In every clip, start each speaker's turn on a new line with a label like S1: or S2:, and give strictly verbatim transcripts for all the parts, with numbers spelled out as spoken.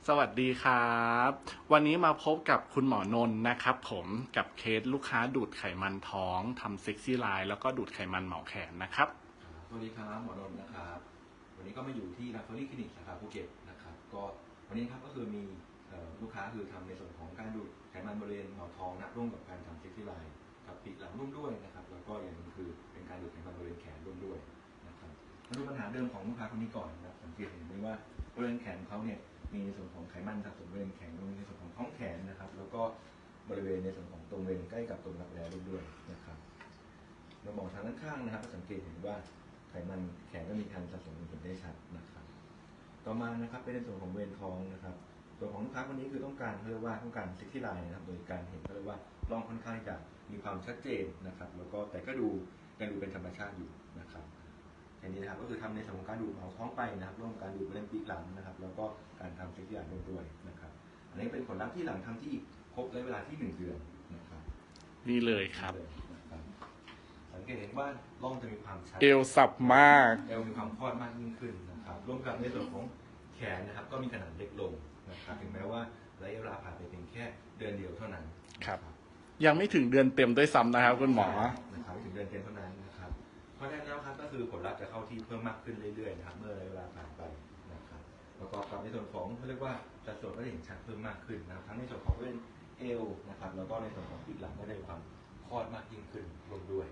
S1: สวัสดีครับ วันนี้มาพบกับคุณหมอนนท์นะครับผมกับเคสลูกค้าดูดไขมันท้องทำเซ็กซี่ไลน์แล้วก็ดูดไขมันเหมาแขนนะครับ
S2: สวัสดีครับหมอนนท์นะครับวันนี้ก็มาอยู่ที่ลาฟอรี่คลินิกสาขาภูเก็ตนะครับก็วันนี้ครับก็คือมีลูกค้าคือทำในส่วนของการดูดไขมันบริเวณหมอนท้องนะร่วมกับการทำเซ็กซี่ไลน์กับปีกหลังร่วมด้วยนะครับแล้วก็อย่างนึงคือเป็นการดูดไขมันบริเวณแขนร่วมด้วยนะครับมาดูปัญหาเดิมของลูกค้าคนนี้ก่อนนะครับสังเกตเห็นไหมว่าบริเวณแขนเขาเนี่ยมีในส่วนของไขมันสะสมบริเวณแขนในส่วนของท้องแขนนะครับแล้วก็บริเวณในส่วนของตรงบริเวณใกล้กับตรงรักแร้ร่วมด้วยนะครับเรามองทางด้านข้างนะครับสังเกตเห็นว่าไขมันแขนก็มีการสะสมอยู่ได้ชัดนะครับต่อมานะครับเป็นในส่วนของบริเวณท้องนะครับตัวของลูกค้าคนนี้คือต้องการเรียกว่าต้องการเซ็กซี่ไลน์นะครับโดยการเห็นเขาเรียกว่าร่องค่อนข้างจะมีความชัดเจนนะครับแล้วก็แต่ก็ดูยังดูเป็นธรรมชาติอยู่นะครับอย่างนี้นะครับก็คือทำในส่วนของการดูดเอาท้องไปนะครับร่วมการดูดบริเวณปีกหลังนะครับแล้วก็การทำเซ็กซี่ไลน์ร่วมด้วยนะครับอันนี้เป็นผลลัพธ์ที่หลังทำที่ครบระยะเวลาที่หนึ่งเดือนนะครับ
S1: นี่เลยครับ
S2: สังเกตเห็นว่าร่องจะมีความชัด
S1: เอวสับมาก
S2: เอวมีความพอดมากยิ่งขึ้นนะครับร่วมกับในส่วนของแขนนะครับก็มีขนาดเล็กลงนะครับถึงแม้ว่าระยะเวลาผ่านไปเพียงแค่เดือนเดียวเท่านั้น
S1: ครับยังไม่ถึงเดือนเต็มด้วยซ้ำนะครับคุณหมอ
S2: นะครับไม่ถึงเดือนเต็มเท่านั้นนะครับเพราะฉะนั้นแล้วครับก็คือผลลัพธ์จะเข้าที่เพิ่มมากขึ้นเรื่อยๆนะครับเมื่อระยะเวลาผ่านไปนะครับประกอบกับในส่วนของเขาเรียกว่าสัดส่วนก็จะเห็นชัดเพิ่มมากขึ้นนะครับทั้งในส่วนของบริเวณเอวนะครับแล้วก็ในส่วนของปีกหลังก็ได้ความพอดมากยิ่งขึ้นรวมด้วย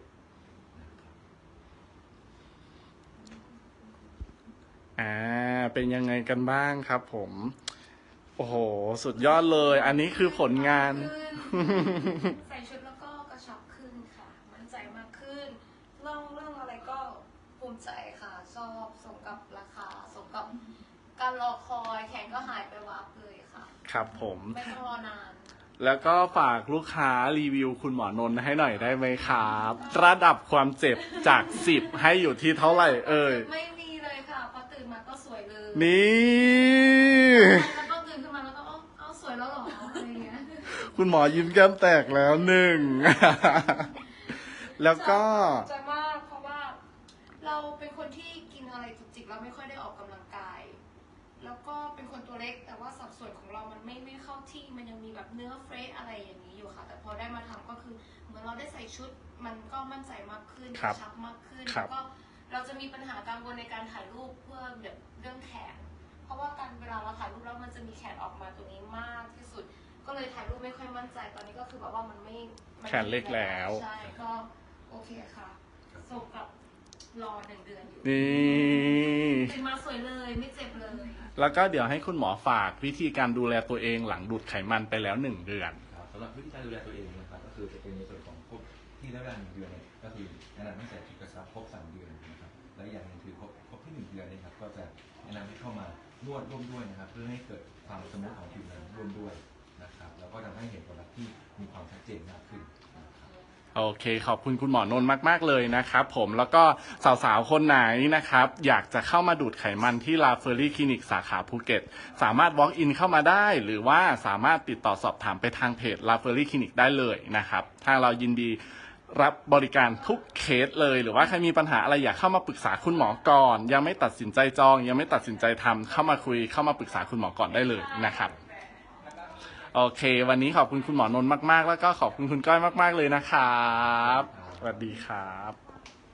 S1: อ่าเป็นยังไงกันบ้างครับผมโอ้โหสุดยอดเลยอันนี้คือผลงาน
S3: ใส่ชุดแล้วก็กระชับขึ้นค่ะมั่นใจมากขึ้นเรื่องเรื่องอะไรก็ภูมิใจค่ะชอบสมกับราคาสมกับการรอคอยแขนก็หายไปวับเลยค่ะ
S1: ครับผม
S3: ไม่ต้องรอนาน
S1: แล้วก็ฝากลูกค้ารีวิวคุณหมอนนท์ให้หน่อยได้ไหมครับระดับความเจ็บจากสิบให้อยู่ที่เท่าไหร่เอ่ย
S3: ไม่มีเลยค่ะพอตื่นมาก็สวยเลย
S1: นี่
S3: แล้วก็ตื่นขึ้นมาแล้วก็เอ้าสวยแล้วหรออะไรเงี้ย
S1: คุณหมอยิ้มแก้มแตกแล้วหนึ่งแล้วก็
S3: ใจมากเพราะว่าเราเป็นคนที่กินอะไรจุกจิกเราไม่ค่อยได้ออกกำลังกายแล้วก็เป็นคนตัวเล็กแต่ว่าสัดส่วนของเรามันไม่ไม่เข้าที่มันยังมีแบบเนื้อเฟรชอะไรอย่างนี้อยู่ค่ะแต่พอได้มาทำก็คือเหมือนเราได้ใส่ชุดมันก็มั่นใจมากขึ้นกระชับมากขึ้นแล้วก็เราจะมีปัญหากังวลในการถ่ายรูปเพื่อแบบเรื่องแขนเพราะว่าการเวลาเราถ่ายรูปแล้วมันจะมีแขนออกมาตรงนี้มากที่สุดก็เลยถ่ายรูปไม่ค่อยมั่นใจตอนนี้ก็คือแบบว่ามันไม่
S1: แขนเล็กแล้ว
S3: ใช่ก็โอเคค่ะส่งกับรอหนึ่งเดือนอยู่
S1: นี่
S3: เป็นมาสวยเลยไม่เจ็บเลย
S1: แล้วก็เดี๋ยวให้คุณหมอฝากวิธีการดูแลตัวเองหลังดูดไขมันไปแล้วหนึ่งเดือน
S2: สำหรับวิธีการดูแลตัวเองนะครับก็คือจะเป็นในส่วนของครบที่ระยะเวลาหนึ่งเดือนเนี่ยก็คือแนะนำให้ใส่ชุดกระชับครบสามเดือนนะครับและอย่างหนึ่งคือครบครบที่หนึ่งเดือนนะครับก็จะแนะนำให้เข้ามานวดร่วมด้วยนะครับเพื่อให้เกิดความสมูทของผิวหนังร่วมด้วยนะครับแล้วก็ทำให้เห็นผลลัพธ์ที่มีความชัดเจนมากขึ้น
S1: โอเคขอบคุณคุณหมอนนท์มากๆเลยนะครับผมแล้วก็สาวๆคนไหนนะครับอยากจะเข้ามาดูดไขมันที่ลาเฟอรี่คลินิกสาขาภูเก็ตสามารถ walk in เข้ามาได้หรือว่าสามารถติดต่อสอบถามไปทางเพจลาเฟอรี่คลินิกได้เลยนะครับทางเรายินดีรับบริการทุกเคสเลยหรือว่าใครมีปัญหาอะไรอยากเข้ามาปรึกษาคุณหมอก่อนยังไม่ตัดสินใจจองยังไม่ตัดสินใจทำเข้ามาคุยเข้ามาปรึกษาคุณหมอก่อนได้เลยนะครับโอเควันนี้ขอบคุณคุณหมอนนท์มากๆแล้วก็ขอบคุณคุณก้อยมากๆเลยนะครับสวัสดีครับ